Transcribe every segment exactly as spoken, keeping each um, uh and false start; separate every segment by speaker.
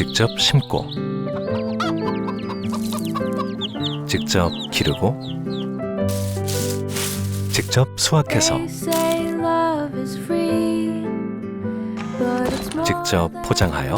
Speaker 1: 직접 심고 직접 기르고 직접 수확해서 직접 포장하여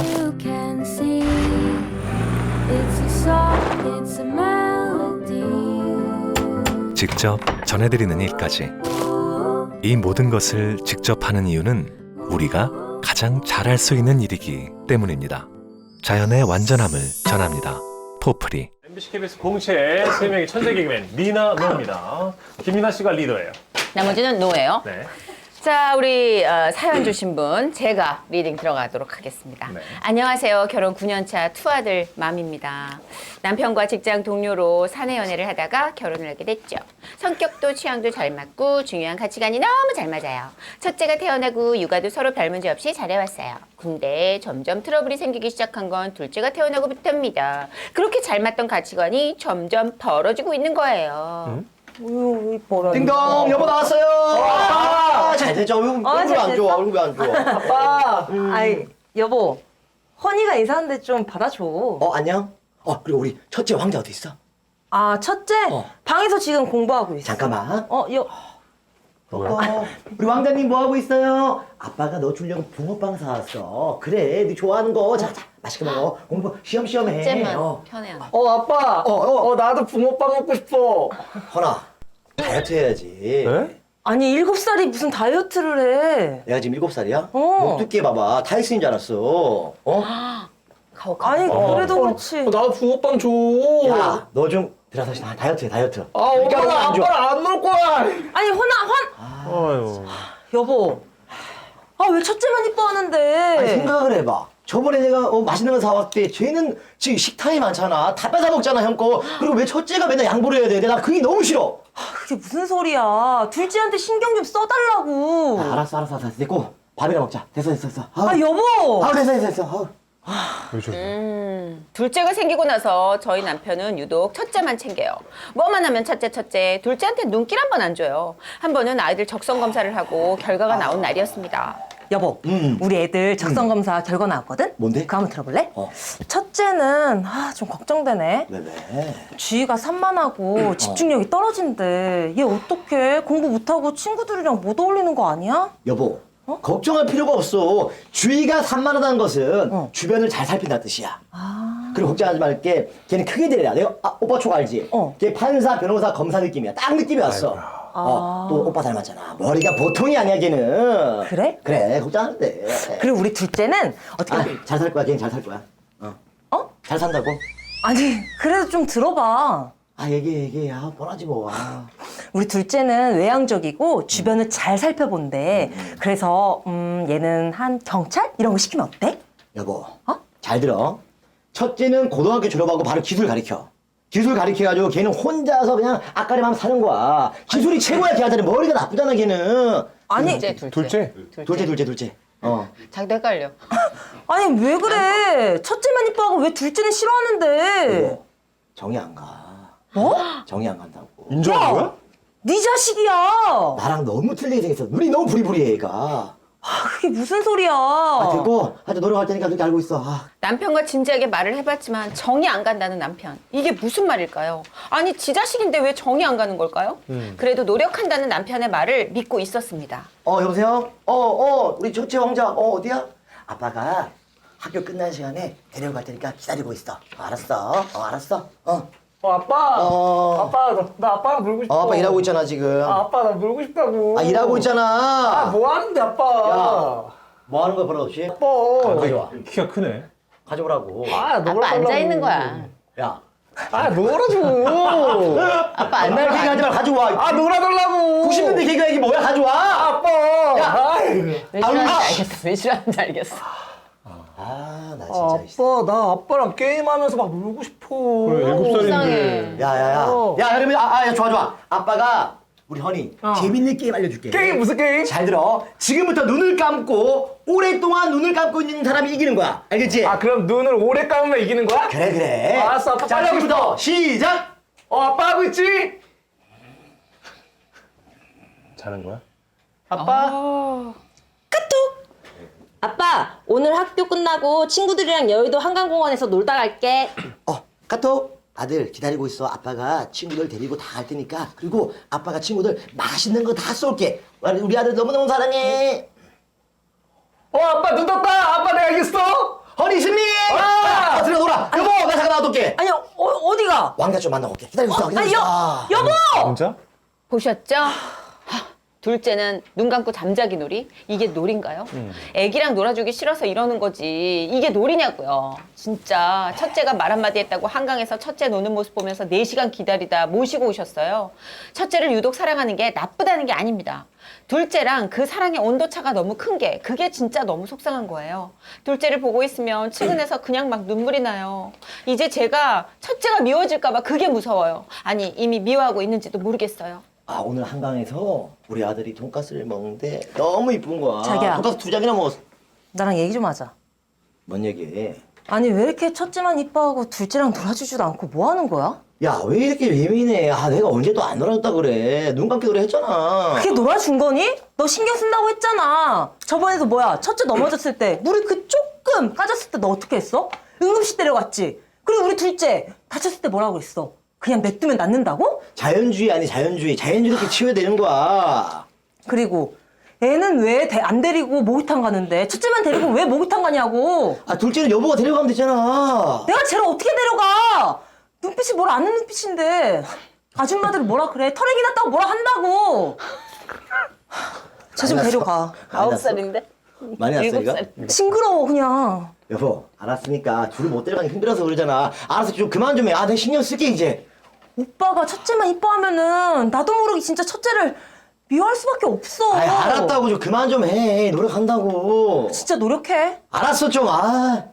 Speaker 1: 직접 전해드리는 일까지 이 모든 것을 직접 하는 이유는 우리가 가장 잘할 수 있는 일이기 때문입니다. 자연의 완전함을 전합니다. 포프리.
Speaker 2: 엠비씨 케이비에스 공채 세 명의 천재 개그맨 미나 노입니다. 김미나 씨가 리더예요.
Speaker 3: 나머지는 노예요.
Speaker 2: 네.
Speaker 3: 자, 우리 어, 사연 주신 분 제가 리딩 들어가도록 하겠습니다.
Speaker 2: 네.
Speaker 3: 안녕하세요. 결혼 구 년 차 투아들 맘입니다. 남편과 직장 동료로 사내 연애를 하다가 결혼을 하게 됐죠. 성격도 취향도 잘 맞고 중요한 가치관이 너무 잘 맞아요. 첫째가 태어나고 육아도 서로 별 문제 없이 잘해왔어요. 근데 점점 트러블이 생기기 시작한 건 둘째가 태어나고부터입니다. 그렇게 잘 맞던 가치관이 점점 벌어지고 있는 거예요.
Speaker 2: 음?
Speaker 3: 우유, 벌어.
Speaker 4: 띵동 여보 나왔어요. 아, 잘 됐죠. 얼굴
Speaker 5: 어,
Speaker 4: 얼굴
Speaker 5: 잘
Speaker 4: 안 좋아.
Speaker 5: 됐어?
Speaker 4: 얼굴 안 좋아.
Speaker 5: 아빠, 아이 여보, 허니가 인사하는데 좀 받아줘.
Speaker 4: 어 안녕. 어 그리고 우리 첫째 황자 어디 있어?
Speaker 5: 아, 첫째
Speaker 4: 어.
Speaker 5: 방에서 지금 공부하고 있어.
Speaker 4: 잠깐만.
Speaker 5: 어, 여,
Speaker 4: 어, 우리 왕자님 뭐 하고 있어요? 아빠가 너 주려고 붕어빵 사왔어. 그래, 네 좋아하는 거. 자, 자, 맛있게 먹어. 공부 시험시험 해.
Speaker 3: 첫째만
Speaker 4: 어.
Speaker 3: 편해하는.
Speaker 6: 어 아빠
Speaker 4: 어, 어.
Speaker 6: 어 나도 붕어빵 먹고 싶어.
Speaker 4: 허나, 다이어트 해야지.
Speaker 2: 네?
Speaker 5: 아니 일곱 살이 무슨 다이어트를 해?
Speaker 4: 내가 지금 일곱 살이야?
Speaker 5: 어.
Speaker 4: 목 두께 봐봐. 다이슨인 줄 알았어. 어?
Speaker 3: 가오, 가오.
Speaker 5: 아니
Speaker 2: 어.
Speaker 5: 그래도
Speaker 6: 어,
Speaker 5: 그렇지.
Speaker 6: 나도 붕어빵 줘.
Speaker 4: 야, 너 좀 들어서 다- 다이어트 해, 다이어트.
Speaker 6: 아 엄마가
Speaker 4: 안 줘.
Speaker 6: 아빠를 안 먹을 거야.
Speaker 5: 아니 허나 헌
Speaker 2: 아유.
Speaker 5: 여보. 아 왜 첫째만 이뻐하는데?
Speaker 4: 아니, 생각을 해봐. 저번에 내가 어, 맛있는 거 사왔대. 쟤는 지금 식탐이 많잖아. 다 뺏어 먹잖아, 형 거. 그리고 왜 첫째가 맨날 양보를 해야 돼? 나 그게 너무 싫어.
Speaker 5: 그게 무슨 소리야? 둘째한테 신경 좀 써달라고.
Speaker 4: 아, 알았어, 알았어, 알았어. 됐고, 밥이나 먹자. 됐어, 됐어, 됐어. 아우,
Speaker 5: 아 여보.
Speaker 4: 아, 됐어, 됐어, 됐어. 아우.
Speaker 3: 음, 둘째가 생기고 나서 저희 남편은 유독 첫째만 챙겨요. 뭐만 하면 첫째 첫째, 둘째한테 눈길 한 번 안 줘요. 한 번은 아이들 적성 검사를 하고 결과가 나온 날이었습니다.
Speaker 5: 여보,
Speaker 4: 음.
Speaker 5: 우리 애들 적성 검사 결과 나왔거든?
Speaker 4: 뭔데?
Speaker 5: 그거 한번 들어볼래?
Speaker 4: 어.
Speaker 5: 첫째는 아, 좀 걱정되네.
Speaker 4: 왜, 왜?
Speaker 5: 주의가 산만하고 집중력이 떨어진대. 얘 어떡해? 공부 못하고 친구들이랑 못 어울리는 거 아니야?
Speaker 4: 여보,
Speaker 5: 어?
Speaker 4: 걱정할 필요가 없어. 주의가 산만하다는 것은
Speaker 5: 어.
Speaker 4: 주변을 잘 살핀다는 뜻이야.
Speaker 5: 아,
Speaker 4: 그리고 걱정하지 말게. 걔는 크게 되려. 내가 아, 오빠 촉 알지?
Speaker 5: 어.
Speaker 4: 걔 판사, 변호사, 검사 느낌이야. 딱 느낌이 왔어. 어, 또 오빠 닮았잖아. 머리가 보통이 아니야, 걔는.
Speaker 5: 그래?
Speaker 4: 그래, 걱정 안 돼.
Speaker 5: 그리고 우리 둘째는 어떻게?
Speaker 4: 아, 잘 살 거야. 걔는 잘 살 거야. 어.
Speaker 5: 어?
Speaker 4: 잘 산다고?
Speaker 5: 아니, 그래도 좀 들어봐.
Speaker 4: 아, 얘기해, 얘기해. 아, 뻔하지 뭐. 아.
Speaker 5: 우리 둘째는 외향적이고 주변을 잘 살펴본대. 그래서 음, 얘는 한 경찰 이런 거 시키면 어때?
Speaker 4: 여보,
Speaker 5: 어?
Speaker 4: 잘 들어. 첫째는 고등학교 졸업하고 바로 기술 가르쳐. 기술 가르쳐가지고 걔는 혼자서 그냥 앞가림하면 사는 거야. 기술이 최고야, 걔한테는. 머리가 나쁘잖아, 걔는.
Speaker 5: 아니,
Speaker 3: 둘째, 둘째.
Speaker 2: 둘째?
Speaker 4: 둘째, 둘째, 둘째. 어.
Speaker 3: 자기도 헷갈려.
Speaker 5: 아니 왜 그래? 첫째만 이뻐하고 왜 둘째는 싫어하는데?
Speaker 4: 여보, 정이 안 가.
Speaker 5: 뭐?
Speaker 4: 정이 안 간다고.
Speaker 2: 인정한 거야?
Speaker 5: 네 자식이야.
Speaker 4: 나랑 너무 틀리게 생겼어. 눈이 너무 부리부리해, 얘가.
Speaker 5: 아, 그게 무슨 소리야?
Speaker 4: 아, 됐고. 하여튼 노력할 테니까 그렇게 알고 있어. 아.
Speaker 3: 남편과 진지하게 말을 해봤지만 정이 안 간다는 남편. 이게 무슨 말일까요? 아니, 지 자식인데 왜 정이 안 가는 걸까요? 그래도 노력한다는 남편의 말을 믿고 있었습니다.
Speaker 4: 어, 여보세요? 어, 어, 우리 첫째 왕자, 어, 어디야? 아빠가 학교 끝난 시간에 데려갈 테니까 기다리고 있어. 어, 알았어. 어, 알았어. 어.
Speaker 6: 어 아빠.
Speaker 4: 어.
Speaker 6: 아빠 나, 나 아빠랑 놀고 싶어.
Speaker 4: 어, 아빠 일하고 있잖아, 지금.
Speaker 6: 아, 아빠 나 놀고 싶다고.
Speaker 4: 아, 일하고 있잖아.
Speaker 6: 아, 뭐 하는데 아빠.
Speaker 4: 야. 뭐 하는 거야, 버릇없이?
Speaker 6: 아빠.
Speaker 4: 가져와.
Speaker 2: 키가 크네.
Speaker 4: 가져오라고.
Speaker 6: 아, 놀아
Speaker 3: 아빠 앉아 있는 거야.
Speaker 4: 야.
Speaker 6: 아, 놀아줘.
Speaker 3: 아빠
Speaker 4: 옛날
Speaker 3: 앉아.
Speaker 4: 개그하지 말고 가져와.
Speaker 6: 아, 놀아달라고.
Speaker 4: 구십 년대 개그 얘기 뭐야? 가져와.
Speaker 6: 아빠.
Speaker 4: 야.
Speaker 6: 아이고.
Speaker 3: 왜 싫어하는지 알겠어. 왜 싫어하는지 알겠어.
Speaker 4: 아, 나
Speaker 6: 아,
Speaker 4: 진짜. 씨.
Speaker 6: 아빠, 나 아빠랑 게임하면서 막 놀고 싶어.
Speaker 2: 그래, 일곱 살인데.
Speaker 3: 이상해.
Speaker 4: 야, 야, 야.
Speaker 6: 어.
Speaker 4: 야, 그러면, 아, 아, 야, 좋아, 좋아. 아빠가 우리 허니
Speaker 6: 어.
Speaker 4: 재밌는 게임 알려줄게.
Speaker 6: 게임 무슨 게임?
Speaker 4: 잘 들어. 지금부터 눈을 감고 오랫동안 눈을 감고 있는 사람이 이기는 거야. 알겠지?
Speaker 6: 아, 그럼 눈을 오래 감으면 이기는 거야?
Speaker 4: 그래, 그래.
Speaker 6: 어, 알았어, 아빠
Speaker 4: 자,
Speaker 6: 빨리 하고
Speaker 4: 지금부터 시작!
Speaker 6: 어, 아빠 하고 있지?
Speaker 2: 자는 거야?
Speaker 6: 아빠.
Speaker 3: 어.
Speaker 5: 아빠, 오늘 학교 끝나고 친구들이랑 여의도 한강공원에서 놀다 갈게.
Speaker 4: 어, 카톡. 아들 기다리고 있어. 아빠가 친구들 데리고 다 갈 테니까. 그리고 아빠가 친구들 맛있는 거 다 쏠게. 우리 아들 너무너무 사랑해.
Speaker 6: 어 아빠 눈 떴다. 아빠 내가 이겼어.
Speaker 4: 허니 승리!
Speaker 6: 아!
Speaker 4: 어, 들어 놀아. 여보, 나 잠깐 나와둘게.
Speaker 5: 아니, 어, 어디가?
Speaker 4: 왕자 좀 만나고 올게. 기다리고 있어.
Speaker 5: 아니,
Speaker 4: 기다리고
Speaker 5: 여,
Speaker 4: 있어.
Speaker 5: 여보!
Speaker 2: 진짜?
Speaker 3: 보셨죠? 하, 둘째는 눈 감고 잠자기 놀이? 이게 놀인가요? 애기랑 놀아주기 싫어서 이러는 거지. 이게 놀이냐고요. 진짜 첫째가 말 한마디 했다고 한강에서 첫째 노는 모습 보면서 네 시간 기다리다 모시고 오셨어요. 첫째를 유독 사랑하는 게 나쁘다는 게 아닙니다. 둘째랑 그 사랑의 온도차가 너무 큰 게 그게 진짜 너무 속상한 거예요. 둘째를 보고 있으면 측은해서 그냥 막 눈물이 나요. 이제 제가 첫째가 미워질까 봐 그게 무서워요. 아니 이미 미워하고 있는지도 모르겠어요.
Speaker 4: 아, 오늘 한강에서 우리 아들이 돈가스를 먹는데 너무 이쁜 거야.
Speaker 5: 자기야.
Speaker 4: 돈가스 두 장이나 먹었어.
Speaker 5: 나랑 얘기 좀 하자.
Speaker 4: 뭔 얘기해?
Speaker 5: 아니, 왜 이렇게 첫째만 이뻐하고 둘째랑 놀아주지도 않고 뭐 하는 거야?
Speaker 4: 야, 왜 이렇게 예민해? 아, 내가 언제 또 안 놀아줬다 그래. 눈 감기 노래 했잖아.
Speaker 5: 그게 놀아준 거니? 너 신경 쓴다고 했잖아. 저번에도 뭐야, 첫째 넘어졌을 때 물이 그 조금 까졌을 때 너 어떻게 했어? 응급실 데려갔지. 그리고 우리 둘째 다쳤을 때 뭐라고 그랬어? 그냥 냅두면 낫는다고?
Speaker 4: 자연주의 아니 자연주의. 자연주의 이렇게 치워야 되는 거야.
Speaker 5: 그리고 애는 왜 안 데리고 목욕탕 가는데 첫째만 데리고 왜 목욕탕 가냐고.
Speaker 4: 아, 둘째는 여보가 데려가면 되잖아.
Speaker 5: 내가 쟤를 어떻게 데려가? 눈빛이 뭘 아는 눈빛인데. 아줌마들은 뭐라 그래? 털에기 났다고 뭐라 한다고. 쟤 좀
Speaker 4: 많이 났어.
Speaker 5: 데려가.
Speaker 4: 많이
Speaker 3: 아홉
Speaker 4: 났어?
Speaker 3: 살인데?
Speaker 4: 많이 났어,
Speaker 3: 일곱
Speaker 4: 이거?
Speaker 3: 살.
Speaker 5: 징그러워 그냥.
Speaker 4: 여보, 알았으니까 둘을 못 데려가기 힘들어서 그러잖아. 알았어, 좀 그만 좀 해. 아, 내가 신경 쓸게, 이제.
Speaker 5: 오빠가 첫째만 이뻐하면은 나도 모르게 진짜 첫째를 미워할 수밖에 없어.
Speaker 4: 아, 알았다고 좀 그만 좀 해. 노력한다고.
Speaker 5: 진짜 노력해.
Speaker 4: 알았어, 좀. 아.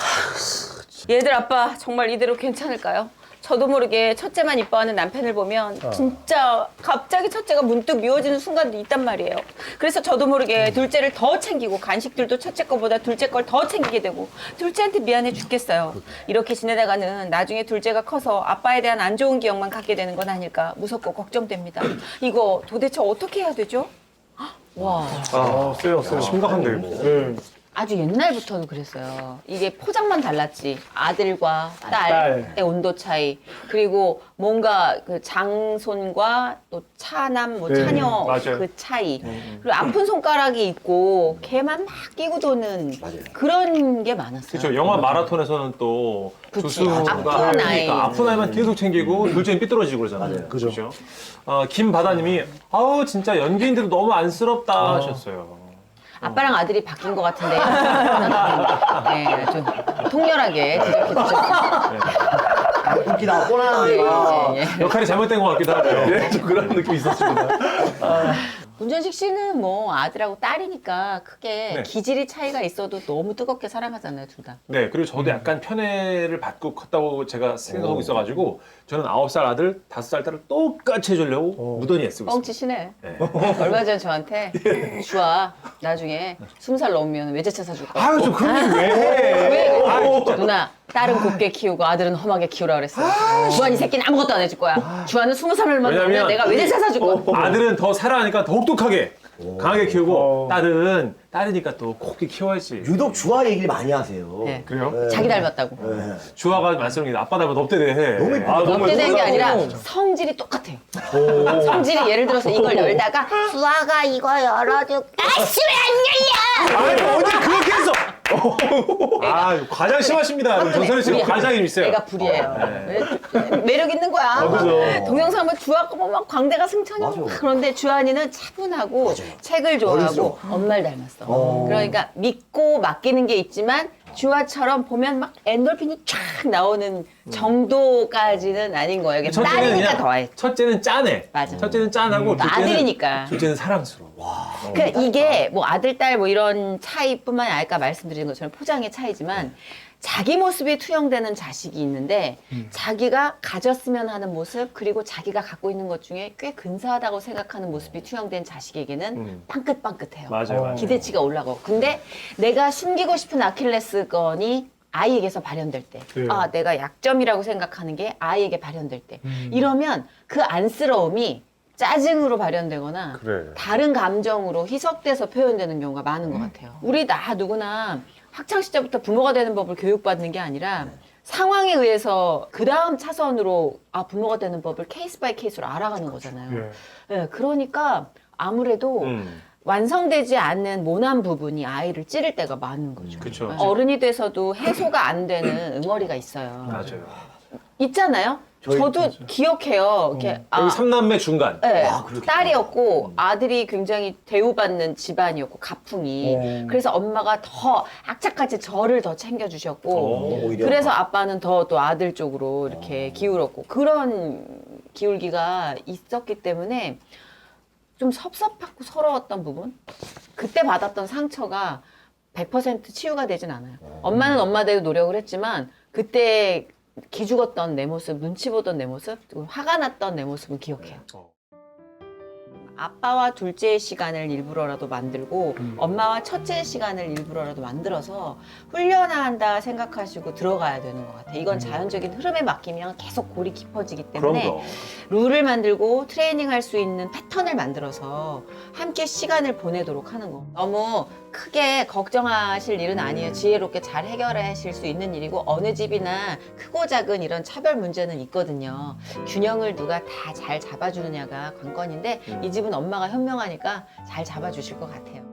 Speaker 3: 얘들 아빠 정말 이대로 괜찮을까요? 저도 모르게 첫째만 이뻐하는 남편을 보면 진짜 갑자기 첫째가 문득 미워지는 순간도 있단 말이에요. 그래서 저도 모르게 둘째를 더 챙기고 간식들도 첫째 거보다 둘째 걸 더 챙기게 되고 둘째한테 미안해 죽겠어요. 이렇게 지내다가는 나중에 둘째가 커서 아빠에 대한 안 좋은 기억만 갖게 되는 건 아닐까 무섭고 걱정됩니다. 이거 도대체 어떻게 해야 되죠? 와.
Speaker 2: 아, 세요, 세요. 심각한데, 이거. 네.
Speaker 3: 아주 옛날부터도 그랬어요. 이게 포장만 달랐지. 아들과
Speaker 2: 딸.
Speaker 3: 딸의 온도 차이. 그리고 뭔가 그 장손과 또 차남, 뭐
Speaker 2: 네,
Speaker 3: 차녀
Speaker 2: 맞아요.
Speaker 3: 그 차이. 그리고 아픈 손가락이 있고 걔만 막 끼고 도는 그런 게 많았어요.
Speaker 2: 그렇죠. 영화 마라톤에서는 또
Speaker 3: 그치.
Speaker 2: 조수가
Speaker 3: 아픈 아이.
Speaker 2: 그러니까 아픈 아이만 계속 챙기고 둘째는 삐뚤어지고 그러잖아요.
Speaker 4: 맞아요.
Speaker 2: 그죠. 어, 김바다님이 아우 진짜 연기인데도 너무 안쓰럽다 하셨어요.
Speaker 3: 아빠랑 아들이 바뀐 것 같은데. 네, 좀 통렬하게 지적해 주셨어요.
Speaker 4: 웃기다, 뻔하네.
Speaker 3: 예, 예.
Speaker 2: 역할이 잘못된 것 같기도 하고요. 네, 좀 그런 느낌이 있었습니다.
Speaker 3: 문전식 씨는 뭐 아들하고 딸이니까 크게
Speaker 2: 네.
Speaker 3: 기질이 차이가 있어도 너무 뜨겁게 사랑하잖아요, 둘 다.
Speaker 2: 네, 그리고 저도 약간 편애를 받고 컸다고 제가 생각하고 있어가지고 저는 아홉 살 아들, 다섯 살 딸을 똑같이 해주려고 무던히 애쓰고 있습니다.
Speaker 3: 뻥치시네.
Speaker 2: 네.
Speaker 3: 얼마 전에 저한테 주아 나중에 스무 살 넘으면 외제차 사줄 거야.
Speaker 2: 아유, 좀 그런 얘기 왜 해?
Speaker 3: 왜?
Speaker 2: 아, 진짜.
Speaker 3: 누나 딸은 곱게 키우고 아들은 험하게 키우라 그랬어. 주한이 새끼는 아무것도 안 해줄 거야. 주한은 스무 살만 넘으면
Speaker 2: 왜냐면
Speaker 3: 내가 외제차 사줄 거야.
Speaker 2: 아들은 더 사랑하니까 더욱 독하게 강하게 키우고 딸은 딸이니까 또 곱게 키워야지.
Speaker 4: 유독 주아 얘기를 많이 하세요.
Speaker 3: 네.
Speaker 2: 그래요?
Speaker 3: 자기 닮았다고.
Speaker 4: 네.
Speaker 2: 주아가 말씀이 아빠 닮아 넙대대.
Speaker 4: 너무 이쁘다.
Speaker 2: 아, 너무
Speaker 3: 업데이트된 게
Speaker 2: 예쁘다.
Speaker 3: 아니라 성질이 똑같아요. 성질이 예를 들어서 이걸 열다가 수아가 이거 열어줄까? 아씨 왜 안 열려?
Speaker 2: 아니 어디 그렇게 했어? 아 과장 심하십니다. 여러분. 전선희 씨가 과장이 좀 있어요.
Speaker 3: 애가 불이에요. 왜- 매력 있는 거야.
Speaker 2: 그죠.
Speaker 3: 동영상 보면 주아 거 보면 막 광대가 승천이고
Speaker 4: 맞아.
Speaker 3: 막 그런데 주한이는 차분하고 책을 좋아하고
Speaker 4: 어리죠.
Speaker 3: 엄마를 닮았어.
Speaker 4: 어.
Speaker 3: 그러니까 믿고 맡기는 게 있지만 주아처럼 보면 막 엔돌핀이 쫙 나오는 정도까지는 아닌 거예요. 이게 딸이니까 더해.
Speaker 2: 첫째는 짠해.
Speaker 3: 맞아.
Speaker 2: 첫째는 짠하고
Speaker 3: 또
Speaker 2: 둘째는
Speaker 3: 아들이니까.
Speaker 2: 둘째는 사랑스러워.
Speaker 3: 그러니까 이게 뭐 아들, 딸 뭐 이런 차이뿐만이 아니라 아까 말씀드린 것처럼 포장의 차이지만 자기 모습이 투영되는 자식이 있는데 자기가 가졌으면 하는 모습 그리고 자기가 갖고 있는 것 중에 꽤 근사하다고 생각하는 모습이 투영된 자식에게는
Speaker 2: 음.
Speaker 3: 빵긋빵긋해요.
Speaker 2: 맞아요, 맞아요.
Speaker 3: 기대치가 올라가고. 근데 내가 숨기고 싶은 아킬레스건이 아이에게서 발현될 때,
Speaker 2: 네.
Speaker 3: 아 내가 약점이라고 생각하는 게 아이에게 발현될 때,
Speaker 2: 음.
Speaker 3: 이러면 그 안쓰러움이 짜증으로 발현되거나
Speaker 2: 그래.
Speaker 3: 다른 감정으로 희석돼서 표현되는 경우가 많은 것 같아요. 우리 나 누구나 학창 시절부터 부모가 되는 법을 교육받는 게 아니라 상황에 의해서 그 다음 차선으로 아 부모가 되는 법을 케이스 바이 케이스로 알아가는 거잖아요. 네, 그러니까 아무래도
Speaker 2: 음.
Speaker 3: 완성되지 않는 모난 부분이 아이를 찌를 때가 많은 거죠.
Speaker 2: 그쵸.
Speaker 3: 네. 어른이 돼서도 해소가 안 되는 응어리가 있어요.
Speaker 2: 맞아요.
Speaker 3: 있잖아요.
Speaker 4: 저희-
Speaker 3: 저도 기억해요. 이렇게 아,
Speaker 2: 여기 삼남매 중간.
Speaker 3: 네,
Speaker 4: 아, 그렇겠다.
Speaker 3: 딸이었고 아들이 굉장히 대우받는 집안이었고 가풍이
Speaker 4: 어.
Speaker 3: 그래서 엄마가 더 악착같이 저를 더 챙겨주셨고
Speaker 2: 어,
Speaker 4: 오히려.
Speaker 3: 그래서 아빠는 더 또 아들 쪽으로 이렇게 기울었고 그런 기울기가 있었기 때문에 좀 섭섭하고 서러웠던 부분 그때 받았던 상처가 백 퍼센트 치유가 되진 않아요. 엄마는 엄마대로 노력을 했지만 그때 기죽었던 내 모습, 눈치 보던 내 모습, 그리고 화가 났던 내 모습은 기억해요. 아빠와 둘째의 시간을 일부러라도 만들고 엄마와 첫째의 시간을 일부러라도 만들어서 훈련한다 생각하시고 들어가야 되는 것 같아요. 이건 자연적인 흐름에 맡기면 계속 골이 깊어지기 때문에
Speaker 2: 그럼요.
Speaker 3: 룰을 만들고 트레이닝할 수 있는 패턴을 만들어서 함께 시간을 보내도록 하는 거. 너무 크게 걱정하실 일은 아니에요. 지혜롭게 잘 해결하실 수 있는 일이고 어느 집이나 크고 작은 이런 차별 문제는 있거든요. 균형을 누가 다 잘 잡아주느냐가 관건인데 이 집은 엄마가 현명하니까 잘 잡아주실 것 같아요.